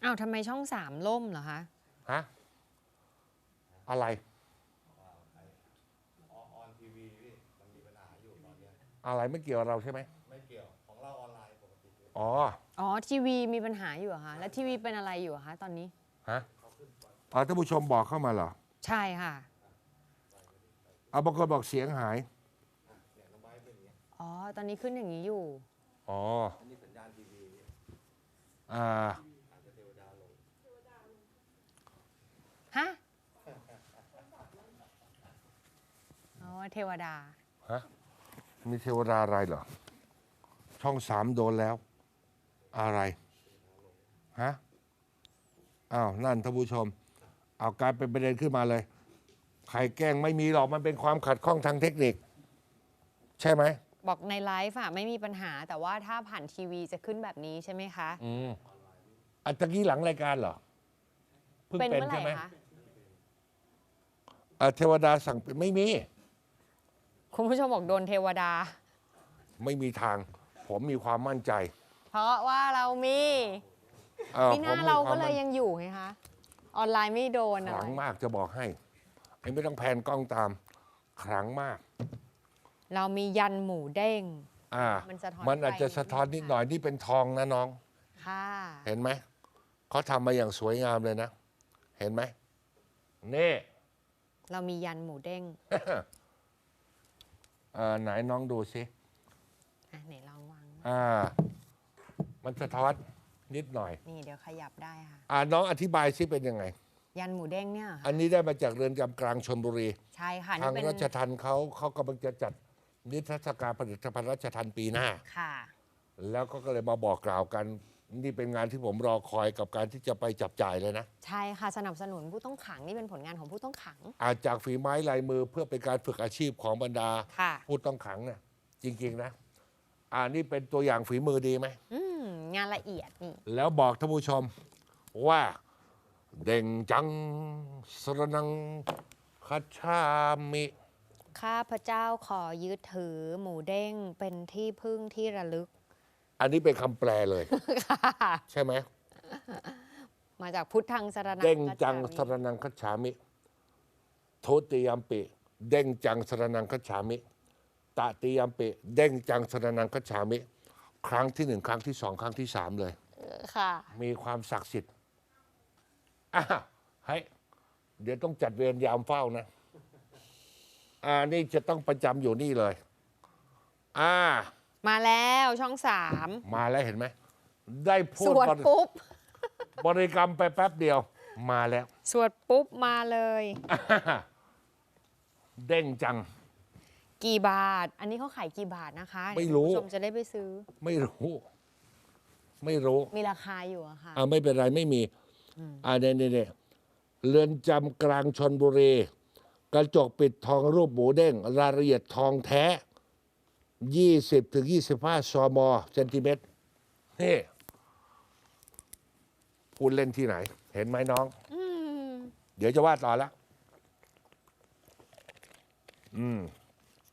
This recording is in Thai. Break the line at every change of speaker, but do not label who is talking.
อ้าวทำไมช่อง3ล่มเหรอคะ
ฮะอะไรอะไรไม่เกี่ยวกับเราใช่ไหมไม่เกี่ยวของเราออนไลน์ปกติอ๋อ
ทีวีมีปัญหาอยู่เหรอคะแล้วทีวีเป็นอะไรอยู่คะตอนนี้
ฮะท่านผู้ชมบอกเข้ามาเหรอ
ใช่ค่ะ
บางคนบอกเสียงหาย
ตอนนี้ขึ้นอย่างนี้อยู่
อันนี้สัญญาณทีวี
ฮะเทวดา
ฮะมีเทวดาอะไรเหรอช่อง3โดนแล้วอะไรฮะนั่นท่านผู้ชมเอากลายเป็นประเด็นขึ้นมาเลยใครแกล้งไม่มีหรอกมันเป็นความขัดข้องทางเทคนิคใช่ไหม
บอกในไลฟ์ไม่มีปัญหาแต่ว่าถ้าผ่านทีวีจะขึ้นแบบนี้ใช่ไหมคะ
อันตะกี้หลังรายการเหรอเพิ่งเป็นใช่ไหมเทวดาสั่งเป็นไม่มี
คุณผู้ชมบอกโดนเทวดา
ไม่มีทางผมมีความมั่นใจ
เพราะว่าเรามีไม่น่าเราก็เลยยังอยู่ไงคะออนไลน์ไม่โดน
ขลังมากจะบอกให้ไม่ต้องแพนกล้องตามขลังมาก
เรามียันหมูเด้ง
มันอาจจะสะท้อนนิดหน่อยนี่เป็นทองนะน้อง
ค่ะ
เห็นไหมเขาทำมาอย่างสวยงามเลยนะเห็นไหมนี่
เรามียันหมูเด้ง
ไหนน้องดูสิ
ไหนลองวาง
มันสะท้อนนิดหน่อย
นี่เดี๋ยวขยับได้ค่ะ
น้องอธิบายซิเป็นยังไง
ยันหมูเด้งเนี่ย
อันนี้ได้มาจากเรือนจำกลางชลบุรี
ใช่ค่ะ
ทางราชทัณฑ์เขากำลังจะจัดนิทรรศการผลิตภัณฑ์ราชทัณฑ์ปีหน้า
ค่ะ
แล้วก็เลยมาบอกกล่าวกันนี่เป็นงานที่ผมรอคอยกับการที่จะไปจับจ่ายเลยนะ
ใช่ค่ะสนับสนุนผู้ต้องขังนี่เป็นผลงานของผู้ต้องขัง
จากฝีไม้ลายมือเพื่อเป็นการฝึกอาชีพของบรรดาผู้ต้องขังเนี่ยจริงๆนะนี่เป็นตัวอย่างฝีมือดีไหม
งานละเอียดนี่
แล้วบอกท่านผู้ชมว่าเด่งจังสรนังคัจฉามิ
ข้าพเจ้าขอยึดถือหมูเด้งเป็นที่พึ่งที่ระลึก
อันนี้เป็นคำแปลเลยใช่ไหม
มาจากพุทธังสรนัง
เด้งจังสรนังคัจฉามิโทติยัมปิเด้งจังสรนังคัจฉามิตติยัมปิเด้งจังสรนังคัจฉามิครั้งที่1ครั้งที่2ครั้งที่3เลย
ค่ะ
มีความศักดิ์สิทธิ์ให้เดี๋ยวต้องจัดเวรยามเฝ้านะนี่จะต้องประจำอยู่นี่เลย
มาแล้วช่อง3
มาแล้วเห็นไหมได้พูด
สวดปุ๊
บริกรรมไปแป๊บเดียวมาแล้ว
สวดปุ๊บมาเลย
เด้งจัง
กี่บาทอันนี้เขาขายกี่บาทนะคะ
ไม่รู้
ผู้ชมจะได้ไปซื้อ
ไม่รู้
มีราคาอยู่อะค่ะ
ไม่เป็นไรไม่มีเนี่ยเรือนจำกลางชลบุรีกระจกปิดทองรูปหมูเด้งรายละเอียดทองแท้20-25 ซมเซนติเมตรนี่พูดเล่นที่ไหนเห็นไหมน้องเดี๋ยวจะว่าต่อแล้ว